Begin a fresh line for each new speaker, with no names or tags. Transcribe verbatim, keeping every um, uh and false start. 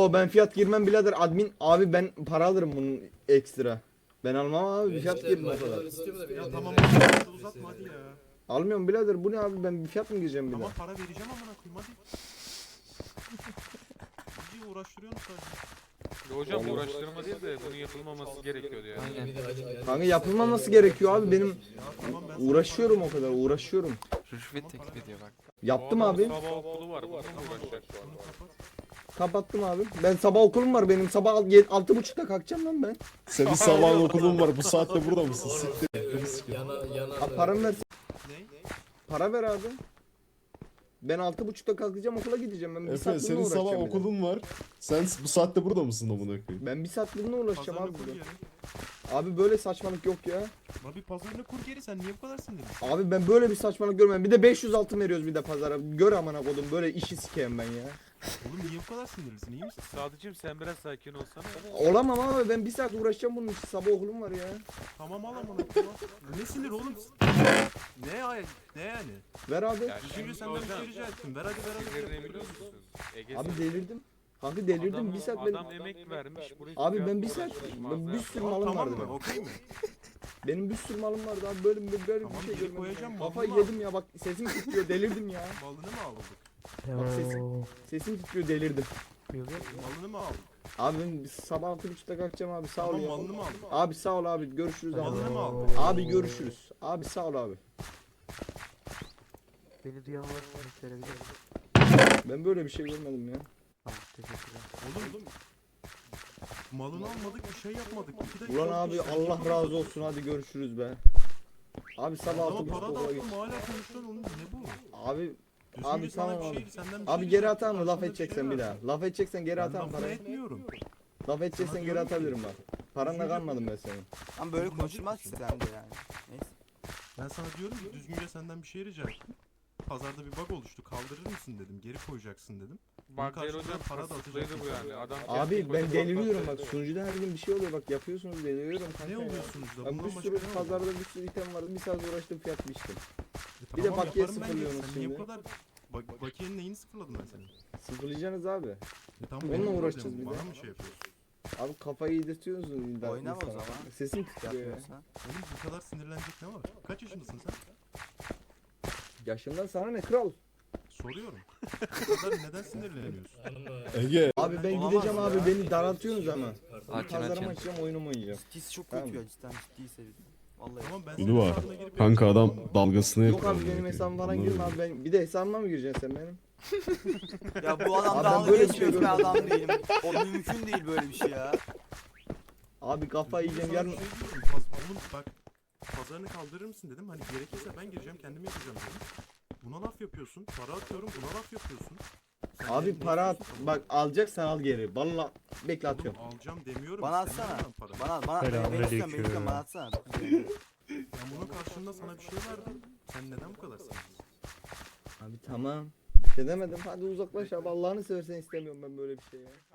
Oo ben fiyat girmem birader admin abi ben para alırım bunun ekstra. Ben almam abi fiyat
İşte
girmem o kadar.
markalar istiyor da bir
Ya
de
tamam
dediler.
hadi uzatma hadi ya.
Almıyorum birader bu ne abi ben bir fiyat mı gireceğim bir
Tamam
daha?
para vereceğim amına koyayım hadi. İyice uğraştırıyorsun sadece.
Hocam uğraştırma değil de bunun yapılmaması gerekiyordu yani.
Aynen. Bir de hadi gel.
Kanka yapılmaması gerekiyor abi benim
Ya tamam ben sana
uğraşıyorum
para
o kadar uğraşıyorum.
Rüşvet teklif ediyor bak.
Yaptım
Bu
abi.
adamın Sabah okulu var. Bununla mı uğraşacak şu an?
Bunu kapat.
Kapattım abi. Ben sabah okulum var benim sabah al- yedi- altı buçukta kalkacağım lan ben.
Senin sabah okulun var. Bu saatte burada mısın? Siktir.
Yana yana.
Abi paramı ver.
Ne?
Para ver abi. Ben altı buçukta kalkacağım okula gideceğim ben bir
Efe
saat bununla
senin sabah
uğraşacağım. bir de.
okulun var. Sen bu saatte burada mısın amına koyayım?
Ben bir saat bununla uğraşacağım
Pazarını
abi.
kur
bir de.
geri.
Abi böyle saçmalık yok ya.
Abi pazarını kur geri sen niye bu kadar sinirlisin?
Abi ben böyle bir saçmalık görmedim. Bir de beş yüz altın veriyoruz bir de pazara. Gör amına kodum böyle işi sikeyim ben ya.
Oğlum niye bu kadar sinirlisin iyi misin?
Sadıcığım sen biraz sakin olsana.
Olamam abi ben bir saat uğraşacağım bunun için. Sabah okulum var ya.
Tamam al amına koyayım. Ne sinir oğlum? Ne ay ne yani?
Ver abi.
Ya
Düşünce
şimdi
senden bir
hocam
şey rica ettim. Ver hadi ver hadi.
sinirini biliyor musun? Ege
Abi
sen-
delirdim. Kanka delirdim
adam,
bir saat benim.
Adam emek vermiş. buraya
Abi
fiyat
ben bir saat
uğraşmış
ben bir
mağazaya.
sürü
Tamam,
malım
tamam
vardı.
mı?
benim.
Okey mi?
Benim bir sürü malım vardı abi böyle böyle
Tamam,
bir şey
geri
görmedim.
koyacağım,
ya.
malını
Kafayı
al.
yedim ya bak sesim titriyor delirdim ya.
Malını mı aldık?
Bak sesim sesim titriyor delirdim.
Malını mı aldık?
Abi ben sabah altı buçukta kalkacağım abi sağ ol
Tamam
ya.
malını mı aldık?
Abi sağ ol abi görüşürüz
Malını
abi.
mı aldık?
Abi görüşürüz. Abi sağ ol abi.
Beni duyan varsa söyleyebilir misin?
Ben böyle bir şey görmedim ya.
Tamam teşekkürler.
Oğlum malını almadık bir şey yapmadık. İki dakika
Ulan
oldu
abi
işte,
Allah
yapamadık.
razı olsun hadi görüşürüz be. Abi sabah altı
Ama
buçukta
para da
okula git.
attım hala konuşuyorsun oğlum ne bu?
Abi
Düzgünce
Abi
sana
tamam
bir
abi.
şey, senden bir
abi
şey
geri
rica
atar mı
ettim,
laf
karşında
edeceksen
şey
bir daha.
verdim.
Laf edeceksen geri
Ben
atarım
lafını
parayı.
etmiyorum.
Laf edeceksen
Sana
geri
diyorum ki-
atabilirim bak. Paranla kalmadım ben senin.
Ama böyle konuşulmaz ki sen de yani. Neyse.
Ben sana diyorum ki düzgünce senden bir şey rica ettim. Pazarda bir bug oluştu. Kaldırır mısın dedim. Geri koyacaksın dedim.
Bak
Bunun
Gel
karşılığında
hocam
para da
kasıtlıydı bu
atacaksın
yani. Adam
Abi
kendi
ben
başına
deliriyorum bak
patlattı.
sunucuda her gün bir şey oluyor bak yapıyorsunuz deliriyorum kanka.
Ne
ya.
oluyor sonuçta?
Ben
Bundan
bir
başka
sürü
ne oluyor?
pazarda bir sürü item vardı bir saat uğraştım fiyat biçtim.
E
bir de
tamam,
bakiye
yaparım ben geri.
sıfırlıyorsunuz
Sen niye bu
şimdi.
kadar... Bak, bakiyenin neyini sıfırladım ben senin?
Sıfırlayacaksınız abi.
E tamam,
Onunla
benim de
uğraşacağız
problemim.
bir de.
Bana mı şey yapıyorsun?
Abi kafayı yedirtiyorsunuz.
Oynama o zaman.
Sesim titriyor ya.
Yapmıyorsan.
Oğlum bu kadar sinirlenecek ne var? Kaç yaşındasın sen?
Yaşından sana ne kral?
Soruyorum. Bu kadar neden sinirleniyorsun?
Ege.
Abi ben
Olamaz
gideceğim
ya.
abi beni daraltıyorsunuz ama.
Açın
Pazarımı
açın.
açacağım oyunumu oynayacağım.
Ciddisi çok
Tamam.
kötü ya cidden ciddi sevdim. Vallahi.
Tamam ben
Ünlü
senin
var.
hesabına girip
Kanka
yapacağım,
adam
tamam mı?
dalgasını
Yok
yapıyor.
abi benim
amına
hesabım falan
koyayım.
girme abi ben bir de hesabıma mı gireceksin sen benim?
Ya bu adam
Abi ben
dalga
böyle bir
geçmiyor
şey
bir
görmedim.
adam değilim. O mümkün değil böyle bir şey ya.
Abi kafayı
Düzgünce
yiyeceğim
sana
yarın.
bir şey diyorum. Paz- Oğlum bak pazarını kaldırır mısın dedim. Hani gerekirse ben gireceğim kendim yapacağım dedim. Buna laf yapıyorsun. Para atıyorum buna laf yapıyorsun. Sen ne-
Abi
ne
para at
istiyorsun?
bak alacaksan al geri. Valla bekle
Oğlum,
atıyorum.
alacağım demiyorum.
Bana
istemiyorum
atsana.
ben paranı.
Bana bana ben istiyorum ben istiyorum bana atsana.
Ben bunun karşılığında sana bir şey verdim. Sen neden bu kadar sinirlisin?
Abi tamam. Bir şey demedim hadi uzaklaş abi Allah'ını seversen istemiyorum ben böyle bir şey ya.